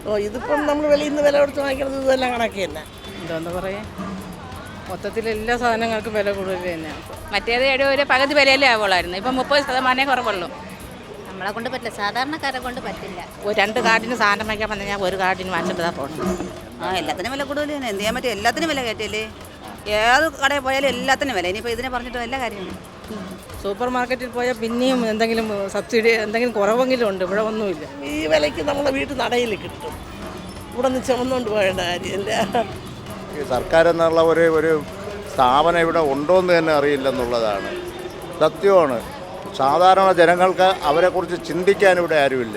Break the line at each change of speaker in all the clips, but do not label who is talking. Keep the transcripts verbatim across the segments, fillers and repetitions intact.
ഓ ഇതിപ്പം നമ്മൾ വെളിയിൽ നിന്ന് വില കൊടുത്ത് വാങ്ങിക്കുന്നത് ഇതെല്ലാം കണക്ക് തന്നെ.
എന്താന്ന് പറയാ, മൊത്തത്തിൽ എല്ലാ സാധനങ്ങൾക്കും വില കൂടുതൽ തന്നെയാണ്.
മറ്റേത് ഏഴ് ഒരു പകുതി വിലയിലേ ആവുള്ളായിരുന്നു, ഇപ്പം മുപ്പത് ശതമാനമേ കുറവുള്ളൂ.
നമ്മളെ കൊണ്ട് പറ്റില്ല, സാധാരണക്കാരെ കൊണ്ട് പറ്റില്ല.
ഒരു രണ്ട് കാർഡിന് സാധനം വയ്ക്കാൻ വന്നാൽ ഞാൻ ഒരു കാർഡിന് വാങ്ങിച്ചിട്ട് പോകണം.
ആ എല്ലാത്തിനും വില കൂടുതൽ തന്നെ, എന്ത് ചെയ്യാൻ പറ്റും, എല്ലാത്തിനും വില കയറ്റിയല്ലേ. ഏത് കടയിൽ പോയാലും എല്ലാത്തിനും വില. ഇനിയിപ്പോൾ ഇതിനെ പറഞ്ഞിട്ട് എല്ലാ കാര്യമാണ്.
സൂപ്പർ മാർക്കറ്റിൽ പോയാൽ പിന്നെയും എന്തെങ്കിലും സബ്സിഡി എന്തെങ്കിലും കുറവെങ്കിലും ഉണ്ട്, ഇവിടെ ഒന്നുമില്ല.
ഈ വിലയ്ക്ക് നമ്മളെ വീട്ടിൽ നടയിൽ കിട്ടും, ഇവിടെ നിന്ന് ചുമന്നുകൊണ്ട് പോകേണ്ട കാര്യമില്ല.
ഈ സർക്കാർ എന്നുള്ള ഒരു ഒരു സ്ഥാപനം ഇവിടെ ഉണ്ടോയെന്ന് തന്നെ അറിയില്ലെന്നുള്ളതാണ് സത്യമാണ്. സാധാരണ ജനങ്ങൾക്ക് അവരെക്കുറിച്ച് ചിന്തിക്കാൻ ഇവിടെ ആരുമില്ല.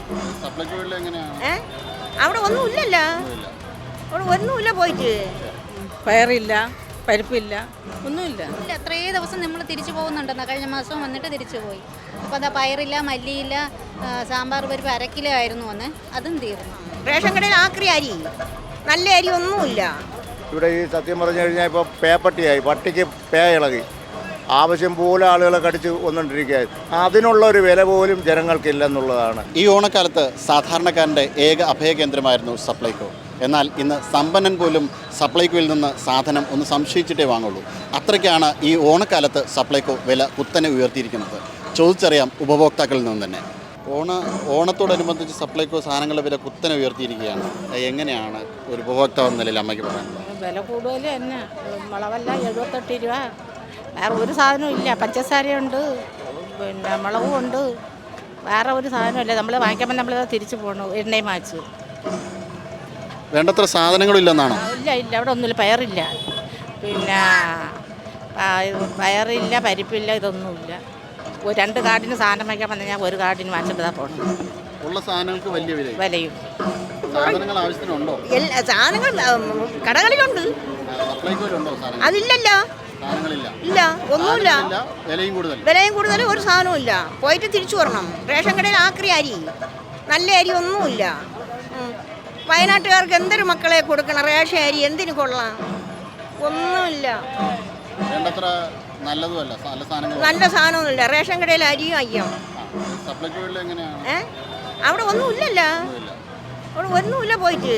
ഏ അവിടെ ഒന്നുമില്ലല്ലോ, അവിടെ ഒന്നുമില്ല. പോയിട്ട്
പയറില്ല, പരിപ്പില്ല, ഒന്നുമില്ല.
ഇല്ല, അത്രേ ദിവസം നമ്മൾ തിരിച്ചു പോകുന്നുണ്ടെന്ന്. കഴിഞ്ഞ മാസം വന്നിട്ട് തിരിച്ചു പോയി. അപ്പോൾ അതാ പയറില്ല, മല്ലിയില്ല, ആ, സാമ്പാർ പരിപ്പ് അര കിലോ ആയിരുന്നു വന്ന്, അതും തീർന്നു.
റേഷൻ കടയിൽ ആക്രി അരി, നല്ല അരി ഒന്നുമില്ല
ഇവിടെ. ഈ സത്യം പറഞ്ഞു കഴിഞ്ഞാൽ ഇപ്പോൾ പേപ്പട്ടിയായി, പട്ടിക്ക് പേ ഇളകി, ആവശ്യം പോലെ ആളുകളെ കടിച്ച് വന്നുകൊണ്ടിരിക്കുകയായി. അതിനുള്ള ഒരു വില പോലും ജനങ്ങൾക്കില്ലെന്നുള്ളതാണ്.
ഈ ഓണക്കാലത്ത് സാധാരണക്കാരൻ്റെ ഏക അഭയകേന്ദ്രമായിരുന്നു സപ്ലൈകോ. എന്നാൽ ഇന്ന് സമ്പന്നൻ പോലും സപ്ലൈകോയിൽ നിന്ന് സാധനം ഒന്ന് സംശയിച്ചിട്ടേ വാങ്ങുള്ളൂ. അത്രയ്ക്കാണ് ഈ ഓണക്കാലത്ത് സപ്ലൈകോ വില കുത്തനെ ഉയർത്തിയിരിക്കുന്നത്. ചോദിച്ചറിയാം ഉപഭോക്താക്കളിൽ നിന്ന് തന്നെ. ഓണ ഓണത്തോടനുബന്ധിച്ച് സപ്ലൈകോ സാധനങ്ങളുടെ വില കുത്തനെ ഉയർത്തിയിരിക്കുകയാണ്. എങ്ങനെയാണ് ഒരു ഉപഭോക്താവ് എന്ന നിലയിൽ അമ്മയ്ക്ക് പറയാനുള്ളത്?
വില കൂടുതൽ തന്നെ, മുളകല്ല എഴുപത്തെട്ട് രൂപ. വേറെ ഒരു സാധനവും ഇല്ല. പഞ്ചസാരയുണ്ട്, പിന്നെ മുളകും ഉണ്ട്, വേറെ ഒരു സാധനമില്ല. നമ്മൾ വാങ്ങിക്കുമ്പോൾ നമ്മൾ തിരിച്ചു പോകണം, എണ്ണയും വാങ്ങിച്ചു.
വേണ്ടത്ര സാധനങ്ങളില്ലെന്നാണോ?
ഇല്ല ഇല്ല, അവിടെ ഒന്നുമില്ല. പയറില്ല, പിന്നെ പയറില്ല, പരിപ്പില്ല, ഇതൊന്നുമില്ല. ഒരു രണ്ട് കാർഡിന് സാധനം വയ്ക്കാൻ വന്നാൽ ഞാൻ ഒരു കാർഡിന് വാങ്ങിച്ചിട്ട് പോകണം.
ഉള്ള സാധനങ്ങൾക്ക് വലിയ വില
വിലയും
സാധനങ്ങൾ ആവശ്യത്തിനുണ്ടോ?
എല്ലാ സാധനങ്ങൾ കടകളിലുണ്ട്,
സപ്ലൈകോയിലുണ്ടോ സാധനങ്ങൾ?
അതില്ലല്ലോ.
സാധനങ്ങളില്ല,
ഇല്ല, ഒന്നുമില്ല.
വിലയും കൂടുതൽ
വിലയും കൂടുതൽ ഒരു സാധനവും ഇല്ല. പോയിട്ട് തിരിച്ചു വരണം. റേഷൻ കടയിൽ ആക്രി അരി, നല്ല അരി ഒന്നുമില്ല. വയനാട്ടുകാർക്ക് എന്തൊരു മക്കളെ കൊടുക്കണം, റേഷൻ അരി എന്തിനു കൊള്ളാം, ഒന്നുമില്ല.
വേണ്ടത്ര നല്ലതുമല്ല, നല്ല സാധനങ്ങൾ.
നല്ല സാധനമൊന്നുമില്ല. റേഷൻ കടയിൽ അരിയും അയ്യം.
സപ്ലൈകോയിൽ എങ്ങനെയാണ്?
ഏ അവിടെ ഒന്നുമില്ലല്ലോ, അവിടെ ഒന്നുമില്ല. പോയിട്ട്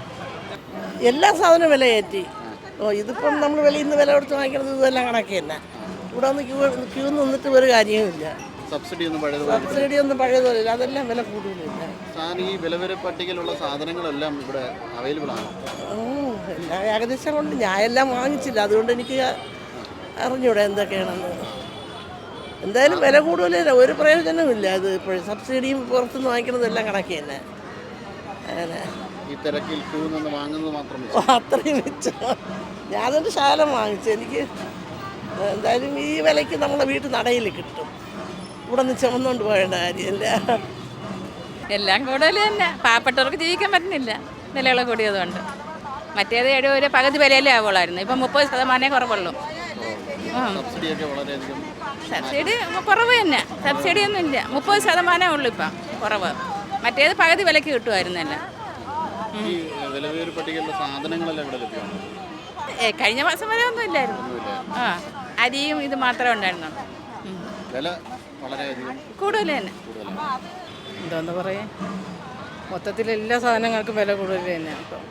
എല്ലാ സാധനവും വില കയറ്റി. ഓ ഇതിപ്പം നമ്മൾ വെളിയിൽ നിന്ന് വില കൊടുത്ത് വാങ്ങിക്കുന്നത് ഇതെല്ലാം കണക്ക് തന്നെ. ഇവിടെ ഒന്ന് ക്യൂ ക്യൂ നിന്നിട്ട് ഒരു കാര്യവുമില്ല.
സബ്സിഡി ഒന്നും പഴയത്
സബ്സിഡി ഒന്നും പഴയതുമില്ല, അതെല്ലാം വില കൂടുതലില്ല.
സാധനം ഈ വിലവര പട്ടികയിലുള്ള സാധനങ്ങളെല്ലാം ഇവിടെ അവൈലബിൾ ആണ്.
എല്ലാ ഏകദേശം കൊണ്ട് ഞാൻ എല്ലാം വാങ്ങിച്ചില്ല, അതുകൊണ്ട് എനിക്ക് അറിഞ്ഞൂടെ എന്തൊക്കെയാണെന്ന്. എന്തായാലും വില കൂടുതലില്ല, ഒരു പ്രയോജനവുമില്ല. അത് ഇപ്പോഴും സബ്സിഡിയും പുറത്തുനിന്ന് വാങ്ങിക്കുന്നതെല്ലാം കണക്ക് തന്നെ. അങ്ങനെ
ഈ തിരക്കിൽ ക്യൂ നിന്ന് വാങ്ങുന്നത് മാത്രം
അത്രയും വെച്ചോ. ഞാനൊരു ശകലം വാങ്ങിച്ചു. എനിക്ക് എന്തായാലും ഈ വിലയ്ക്ക് നമ്മളെ വീട്ടിൽ നടയിൽ കിട്ടും, ഇവിടെ നിന്ന് ചുമന്നുകൊണ്ട് പോകേണ്ട കാര്യമില്ല.
എല്ലാം കൂടുതൽ തന്നെ, പാവപ്പെട്ടവർക്ക് ജീവിക്കാൻ പറ്റുന്നില്ല വിലകൾ കൂടിയതുകൊണ്ട്. മറ്റേത് ഏഴ് ഒരു പകുതി വിലയിലേ ആവുള്ളായിരുന്നു, ഇപ്പം മുപ്പത് ശതമാനമേ കുറവുള്ളൂ.
സബ്സിഡിയൊക്കെ വളരെയധികം
സബ്സിഡി കുറവ് തന്നെ, സബ്സിഡി ഒന്നും ഇല്ല. മുപ്പത് ശതമാനമേ ഉള്ളൂ ഇപ്പം കുറവ്. മറ്റേത് പകുതി വിലയ്ക്ക് കിട്ടുമായിരുന്നല്ല.
ഈ വിലവേര പട്ടികയിലുള്ള സാധനങ്ങളെല്ലാം ഇവിടെ ലഭ്യമാണ്.
ഏ കഴിഞ്ഞ മാസം വരെ ഒന്നും ഇല്ലായിരുന്നു. ആ അരിയും ഇത് മാത്രമേ ഉണ്ടായിരുന്നുള്ളൂ.
വില വളരെയധികം
കൂടുതൽ തന്നെ.
എന്താന്ന് പറയാ, മൊത്തത്തിൽ എല്ലാ സാധനങ്ങൾക്കും വില കൂടുതൽ തന്നെയാണ്. ഇപ്പം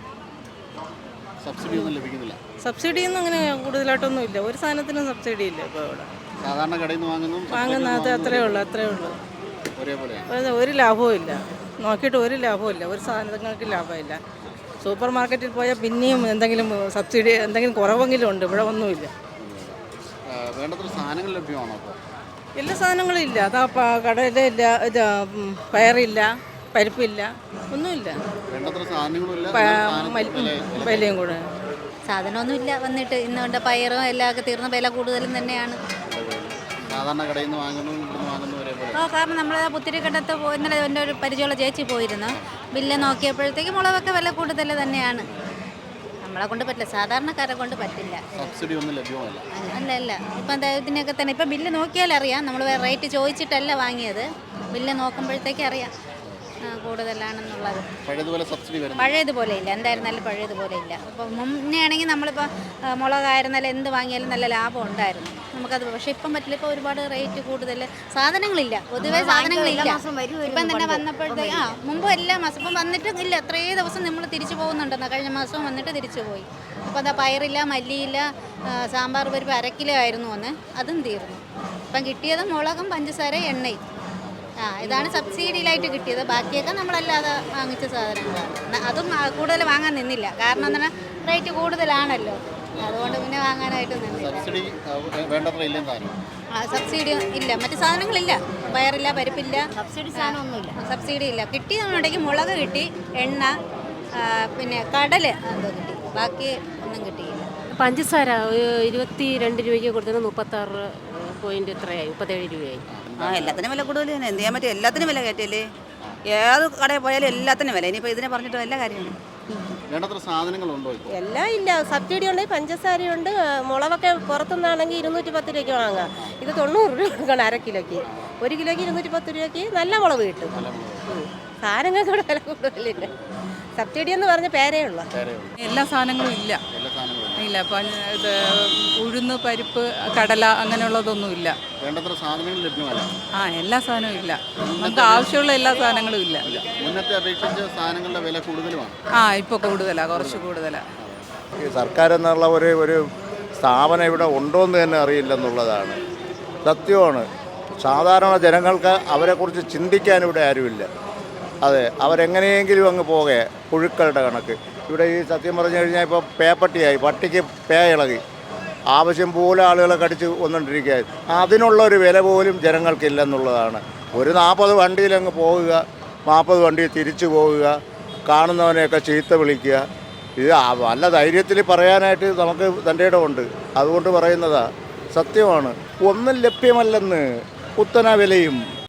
സബ്സിഡി ഒന്നും ലഭിക്കുന്നില്ല.
സബ്സിഡിയൊന്നും അങ്ങനെ കൂടുതലായിട്ടൊന്നും ഇല്ല, ഒരു സാധനത്തിനും സബ്സിഡി ഇല്ല ഇപ്പോൾ ഇവിടെ.
സാധാരണ കടയിൽ നിന്ന് വാങ്ങുന്നു
വാങ്ങുന്നത് അത്രേ ഉള്ളൂ, അത്രേ ഉള്ളൂ.
ഒരേപോലെയാണ്,
ഒരു ലാഭവും ഇല്ല. നോക്കിയിട്ട് ഒരു ലാഭവും ഇല്ല, ഒരു സാധനങ്ങൾക്ക് ലാഭമില്ല. സൂപ്പർ മാർക്കറ്റിൽ പോയാൽ പിന്നെയും എന്തെങ്കിലും സബ്സിഡി എന്തെങ്കിലും കുറവെങ്കിലും ഉണ്ട്, ഇവിടെ ഒന്നുമില്ല.
വേണ്ടത്ര സാധനങ്ങൾ ലഭ്യമാണോ? അപ്പോൾ
എല്ലാ സാധനങ്ങളും ഇല്ല. അതാ കടയിലില്ല, ഇത് പയറില്ല, പരിപ്പില്ല, ഒന്നുമില്ല.
വേണ്ടത്ര സാധനങ്ങളില്ല,
വിലയും കൂടെ.
സാധനമൊന്നുമില്ല. വന്നിട്ട് ഇന്നുകൊണ്ട് പയറും എല്ലാം ഒക്കെ തീർന്ന വില കൂടുതലും തന്നെയാണ്.
സാധാരണ കടയിൽ നിന്ന് വാങ്ങുന്നു ഇവിടുന്ന് വാങ്ങുന്നു ഒരേപോലെ.
ഓ കാരണം നമ്മൾ പുത്തിരിക്കണ്ടത്ത് പോയി, ഇന്നലെ എൻ്റെ ഒരു പരിചയമുള്ള ചേച്ചി പോയിരുന്നു. ബില്ല് നോക്കിയപ്പോഴത്തേക്ക് മുളകൊക്കെ വില കൂടുതൽ തന്നെയാണ്. നമ്മളെ കൊണ്ട് പറ്റില്ല, സാധാരണക്കാരെ കൊണ്ട് പറ്റില്ല.
സബ്സിഡി ഒന്നും ലഭ്യമല്ല.
അല്ല അല്ല ഇപ്പം ഇതിനൊക്കെ തന്നെ ഇപ്പം ബില്ല് നോക്കിയാൽ അറിയാം. നമ്മൾ റേറ്റ് ചോദിച്ചിട്ടല്ല വാങ്ങിയത്, ബില്ല് നോക്കുമ്പോഴത്തേക്ക് അറിയാം. കൂടുതലാണെന്നുള്ളത്.
പഴയതുപോലെ സബ്സിഡി വരുന്നു
പഴയതുപോലെ ഇല്ല, എന്തായിരുന്നാലും പഴയതുപോലെ ഇല്ല. അപ്പോൾ മുന്നേ ആണെങ്കിൽ നമ്മളിപ്പോൾ മുളകായിരുന്നാലും എന്ത് വാങ്ങിയാലും നല്ല ലാഭം ഉണ്ടായിരുന്നു നമുക്കത്. പക്ഷേ ഇപ്പം പറ്റില്ല, ഇപ്പോൾ ഒരുപാട് റേറ്റ് കൂടുതൽ, സാധനങ്ങളില്ല, പൊതുവേ സാധനങ്ങളില്ല. ഇപ്പം തന്നെ വന്നപ്പോഴത്തേക്ക് ആ മുമ്പ് എല്ലാ മാസം ഇപ്പം വന്നിട്ട് ഇല്ല, എത്രയേ ദിവസം നമ്മൾ തിരിച്ചു പോകുന്നുണ്ടെന്ന്. കഴിഞ്ഞ മാസവും വന്നിട്ട് തിരിച്ചു പോയി. അപ്പോൾ അതാ പയറില്ല, മല്ലിയില്ല, സാമ്പാർ പരിപ്പ് അര കിലോ ആയിരുന്നു അന്ന്, അതും തീർന്നു. ഇപ്പം കിട്ടിയത് മുളകും പഞ്ചസാര എണ്ണയും. ആ ഇതാണ് സബ്സിഡിയിലായിട്ട് കിട്ടിയത്. ബാക്കിയൊക്കെ നമ്മളല്ലാതെ വാങ്ങിച്ച സാധനങ്ങളാണ്. അതും കൂടുതൽ വാങ്ങാൻ നിന്നില്ല, കാരണം എന്താണ് റേറ്റ് കൂടുതലാണല്ലോ, അതുകൊണ്ട് പിന്നെ വാങ്ങാനായിട്ട് നിന്നില്ല.
സബ്സിഡി വേണ്ടത്ര ഇല്ലെന്ന് താനും.
ആ സബ്സിഡി ഇല്ല, മറ്റു സാധനങ്ങളില്ല, പയറില്ല, പരിപ്പില്ല,
സബ്സിഡി സാധനമൊന്നുമില്ല.
സബ്സിഡി ഇല്ല. കിട്ടിയെന്നുണ്ടെങ്കിൽ മുളക് കിട്ടി, എണ്ണ, പിന്നെ കടൽ എന്തോ കിട്ടി, ബാക്കി ഒന്നും കിട്ടിയില്ല.
പഞ്ചസാര ഇരുപത്തി രണ്ട് രൂപയ്ക്ക് കൊടുത്തത് മുപ്പത്താറ് പോയിന്റ് എത്രയായി, മുപ്പത്തേഴ് രൂപയായി.
ആ എല്ലാത്തിനും വില കൂടുതൽ തന്നെ, എന്ത് ചെയ്യാൻ പറ്റും, എല്ലാത്തിനും വില കയറ്റല്ലേ. ഏത് കടയിൽ പോയാലും എല്ലാത്തിനും വില. ഇനിയിപ്പോൾ ഇതിനെ പറഞ്ഞിട്ട് എല്ലാ കാര്യമാണ്.
വേണ്ടത്ര സാധനങ്ങളുണ്ടോ ഇപ്പോൾ?
എല്ലാം ഇല്ല. സബ്സിഡി ഉണ്ട്, പഞ്ചസാരയുണ്ട്, മുളകൊക്കെ പുറത്തുനിന്നാണെങ്കിൽ ഇരുന്നൂറ്റി പത്ത് രൂപയ്ക്ക് വാങ്ങാം. ഇത് തൊണ്ണൂറ് രൂപ കൊടുക്കണം അര കിലോയ്ക്ക്. ഒരു കിലോയ്ക്ക് ഇരുന്നൂറ്റി പത്ത് രൂപയ്ക്ക് നല്ല മുളക് കിട്ടും. സാധനങ്ങൾക്ക് ഇവിടെ വില കൂടുതലില്ല. സബ്സിഡി എന്ന് പറഞ്ഞ പേരേ ഉള്ളൂ.
എല്ലാ സാധനങ്ങളും ഇല്ല ഇല്ല ഇപ്പം ഇത് ഉഴുന്ന്, പരിപ്പ്, കടല അങ്ങനെയുള്ളതൊന്നും ഇല്ല.
വേണ്ടത്ര സാധനങ്ങൾ ലഭ്യമല്ല.
ആ എല്ലാ സാധനവും ഇല്ല, നമുക്ക് ആവശ്യമുള്ള എല്ലാ സാധനങ്ങളും ഇല്ല.
മുന്നത്തെ അപേക്ഷിച്ച് സാധനങ്ങളുടെ വില കൂടുതലുമാണ്.
ആ ഇപ്പോൾ കൂടുതലാണ്, കുറച്ച് കൂടുതലാണ്.
ഈ സർക്കാർ എന്നുള്ള ഒരു ഒരു സ്ഥാപനം ഇവിടെ ഉണ്ടോ എന്ന് തന്നെ അറിയില്ലെന്നുള്ളതാണ് സത്യമാണ്. സാധാരണ ജനങ്ങൾക്ക് അവരെക്കുറിച്ച് ചിന്തിക്കാൻ ഇവിടെ ആരുമില്ല. അതെ, അവരെങ്ങനെയെങ്കിലും അങ്ങ് പോകെ പുഴുക്കളുടെ കണക്ക്. ഇവിടെ ഈ സത്യം പറഞ്ഞു കഴിഞ്ഞാൽ ഇപ്പോൾ പേപ്പട്ടിയായി, പട്ടിക്ക് പേ ഇളകി, ആവശ്യം പോലെ ആളുകളെ കടിച്ച് വന്നുകൊണ്ടിരിക്കുകയായി. അതിനുള്ള ഒരു വില പോലും ജനങ്ങൾക്കില്ലെന്നുള്ളതാണ്. ഒരു നാൽപ്പത് വണ്ടിയിലങ്ങ് പോവുക, നാൽപ്പത് വണ്ടി തിരിച്ചു പോവുക, കാണുന്നവനെയൊക്കെ ചീത്ത വിളിക്കുക. ഇത് നല്ല ധൈര്യത്തിൽ പറയാനായിട്ട് നമുക്ക് തൻ്റെ ഇടമുണ്ട്, അതുകൊണ്ട് പറയുന്നതാ. സത്യമാണ്, ഒന്നും ലഭ്യമല്ലെന്ന്, കുത്തന വിലയും